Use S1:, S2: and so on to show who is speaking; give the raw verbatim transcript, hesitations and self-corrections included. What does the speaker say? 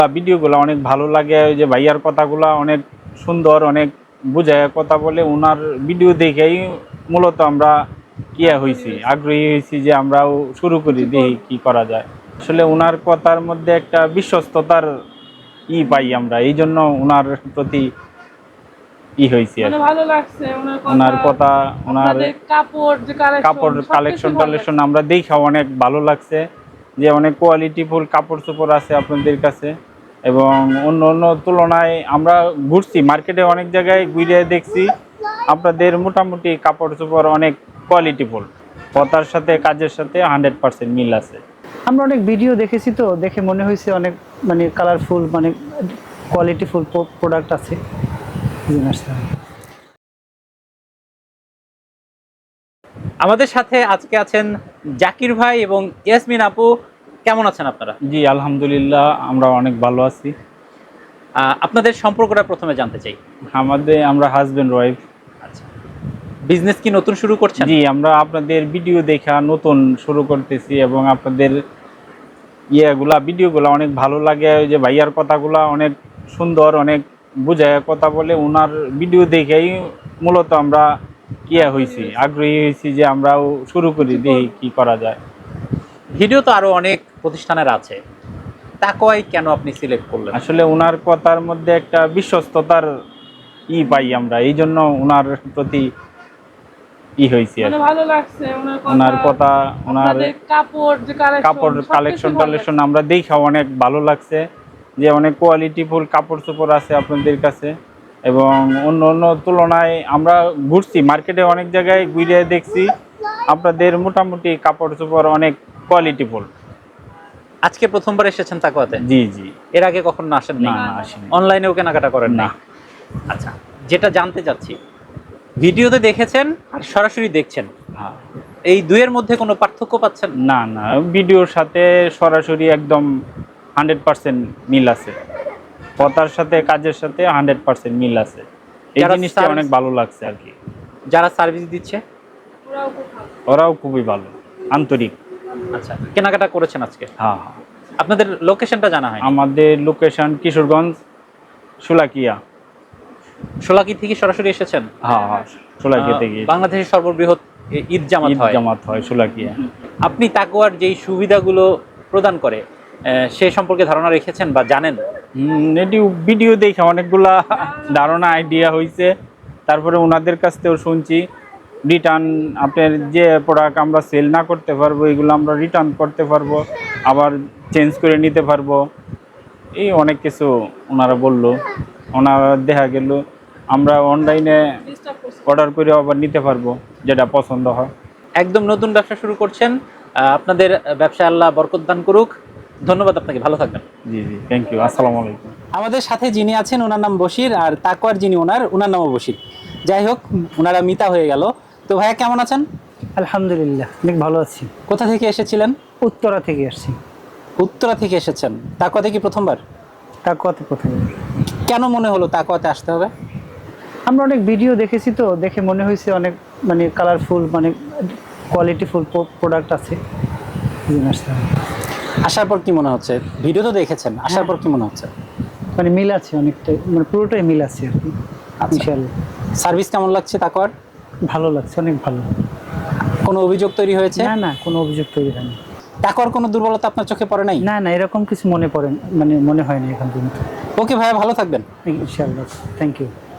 S1: ভিডিওগুলো অনেক ভালো লাগে, ওই যে ভাইয়ার কথাগুলো অনেক সুন্দর, অনেক বুঝায় কথা বলে। ওনার ভিডিও দেখেই মূলত আমরা কিয়া হয়েছি, আগ্রহী হয়েছি যে আমরাও শুরু করি, দেখি কি করা যায়। আসলে ওনার কথার মধ্যে একটা বিশ্বস্ততার ই পাই আমরা, এই জন্য ওনার প্রতি ই হয়েছি আর
S2: ভালো লাগছে
S1: ওনার কথা। ওনার
S2: কাপড়
S1: কাপড় কালেকশন টালেকশন আমরা দেখা অনেক ভালো লাগছে, যে অনেক কোয়ালিটিফুল কাপড় চোপড় আছে আপনাদের কাছে। এবং অন্য অন্য তুলনায় আমরা ঘুরছি মার্কেটে, অনেক জায়গায় ঘুরে দেখছি আপনাদের মোটামুটি কাপড় চোপড় অনেক কোয়ালিটিফুল, কথার সাথে কাজের সাথে হান্ড্রেড পার্সেন্ট মিল আছে।
S3: আমরা অনেক ভিডিও দেখেছি, তো দেখে মনে হয়েছে অনেক মানে কালারফুল, মানে কোয়ালিটিফুল প্রোডাক্ট আছে।
S4: আমাদের সাথে আজকে আছেন জাকির ভাই এবং ইয়াসমিন আপু। কেমন আছেন আপনারা?
S1: জি আলহামদুলিল্লাহ, আমরা অনেক ভালো আছি।
S4: আপনাদের সম্পর্কটা প্রথমে জানতে চাই।
S1: আমাদের আমরা হাজবেন্ড ওয়াইফ।
S4: আচ্ছা, বিজনেস কি নতুন শুরু করছেন?
S1: জি, আমরা আপনাদের ভিডিও দেখা নতুন শুরু করতেছি, এবং আপনাদের ইয়েগুলা ভিডিওগুলো অনেক ভালো লাগে, ওই যে ভাইয়ার কথাগুলো অনেক সুন্দর, অনেক বুঝায় কথা বলে। ওনার ভিডিও দেখেই মূলত আমরা কিয়া হয়েছি, আগ্রহী হয়েছি যে আমরাও শুরু করি, দেখি কি করা যায়।
S4: ভিডিও তো আরো অনেক প্রতিষ্ঠানের আছে, তাকওয়াই কেন আপনি সিলেক্ট করলেন?
S1: আসলে ওনার কথার মধ্যে একটা বিশ্বস্ততার ই পাই আমরা, এই জন্য ওনার প্রতি ই হয়েছি আর
S2: ভালো লাগছে
S1: ওনার কথা। ওনার
S2: কাপড়
S1: কাপড় কালেকশন টালেকশন আমরা দেখা অনেক ভালো লাগছে, যে অনেক কোয়ালিটিফুল কাপড় চোপড় আছে আপনাদের কাছে। এবং অন্য অন্য তুলনায় আমরা ঘুরছি মার্কেটে, অনেক জায়গায় ঘুরে দেখছি আপনাদের মোটামুটি কাপড় চোপড় অনেক কোয়ালিটিফুল।
S4: আজকে প্রথমবার এসেছেন তাকওয়াতে?
S1: জি জি।
S4: এর আগে কখনো আসেন
S1: না না, আসেনি।
S4: অনলাইনেও কেনাকাটা করেন না? আচ্ছা, যেটা জানতে চাচ্ছি, ভিডিওতে দেখেছেন আর সরাসরি দেখছেন,
S1: হ্যাঁ,
S4: এই দুইয়ের মধ্যে কোনো পার্থক্য পাচ্ছেন?
S1: না না, ভিডিওর সাথে সরাসরি একদম হান্ড্রেড পার্সেন্ট মিল আছে, কথার সাথে কাজের সাথে হান্ড্রেড পার্সেন্ট মিল আছে। এই জিনিসটা অনেক ভালো লাগছে আর কি।
S4: যারা সার্ভিস দিচ্ছে
S1: ওরাও খুবই ভালো, আন্তরিক।
S4: আচ্ছা, কেনাকাটা করেছেন আজকে?
S1: হ্যাঁ হ্যাঁ।
S4: আপনাদের লোকেশনটা জানা হয়?
S1: আমাদের লোকেশন কিশোরগঞ্জ, শোলাকিয়া।
S4: শোলাকি থেকে সরাসরি এসেছেন?
S1: হ্যাঁ হ্যাঁ, শোলাকিয়া থেকে।
S4: বাংলাদেশের সর্ববৃহৎ ঈদ জামাত হয়
S1: জামাত হয় শোলাকিয়া।
S4: আপনি তাকওয়ার যেই সুবিধাগুলো প্রদান করে সে সম্পর্কে ধারণা রেখেছেন বা জানেন?
S1: এটি ভিডিও দেখে অনেকগুলা ধারণা আইডিয়া হয়েছে, তারপরে ওনাদের কাছ থেকেও শুনছি। রিটার্ন আপনার যে প্রোডাক্ট আমরা সেল না করতে পারবো, এগুলো আমরা রিটার্ন করতে পারবো, আবার চেঞ্জ করে নিতে পারবো, এই অনেক কিছু ওনারা বললো। ওনারা দেখা গেল আমরা অনলাইনে অর্ডার করে আবার নিতে পারবো, যেটা পছন্দ হয়।
S4: একদম নতুন ব্যবসা শুরু করছেন, আপনাদের ব্যবসা আল্লাহ বরকত দান করুক। ধন্যবাদ আপনাকে, ভালো থাকবেন।
S1: জি জি, থ্যাংক ইউ, আসসালামু আলাইকুম।
S4: আমাদের সাথে যিনি আছেন ওনার নাম বশির, আর তাকওয়ার যিনি ওনার ওনার নামও বশির। যাই হোক, ওনারা মিতা হয়ে গেল। তো ভাইয়া কেমন আছেন?
S3: আলহামদুলিল্লাহ, অনেক ভালো আছি।
S4: কোথা থেকে এসেছিলেন?
S3: উত্তরা থেকে আসছি।
S4: উত্তরা থেকে এসেছেন? তাকওয়াতে কি প্রথমবার?
S3: তাকওয়াতে প্রথমবার।
S4: কেন মনে হলো তাকওয়াতে আসতে হবে?
S3: আমরা অনেক ভিডিও দেখেছি, তো দেখে মনে হয়েছে অনেক মানে কালারফুল, মানে কোয়ালিটিফুল প্রোডাক্ট আছে।
S4: আসার পর কি মনে হচ্ছে? ভিডিও তো দেখেছেন, আসার পর কি মনে হচ্ছে?
S3: মানে মিল আছে অনেকটাই, মানে পুরোটাই মিল আছে আর কি। ইনশাআল্লাহ।
S4: সার্ভিস কেমন লাগছে তাকওয়ার?
S3: ভালো লাগছে, অনেক ভালো।
S4: কোনো অভিযোগ তৈরি হয়েছে?
S3: না না, কোনো অভিযোগ তৈরি হয়নি।
S4: তাকওয়ার কোনো দুর্বলতা আপনার চোখে পড়ে নাই?
S3: না না, এরকম কিছু মনে পড়ে, মানে মনে হয় না এখন পর্যন্ত।
S4: ওকে ভাইয়া, ভালো থাকবেন।
S3: ইনশাআল্লাহ, থ্যাংক ইউ।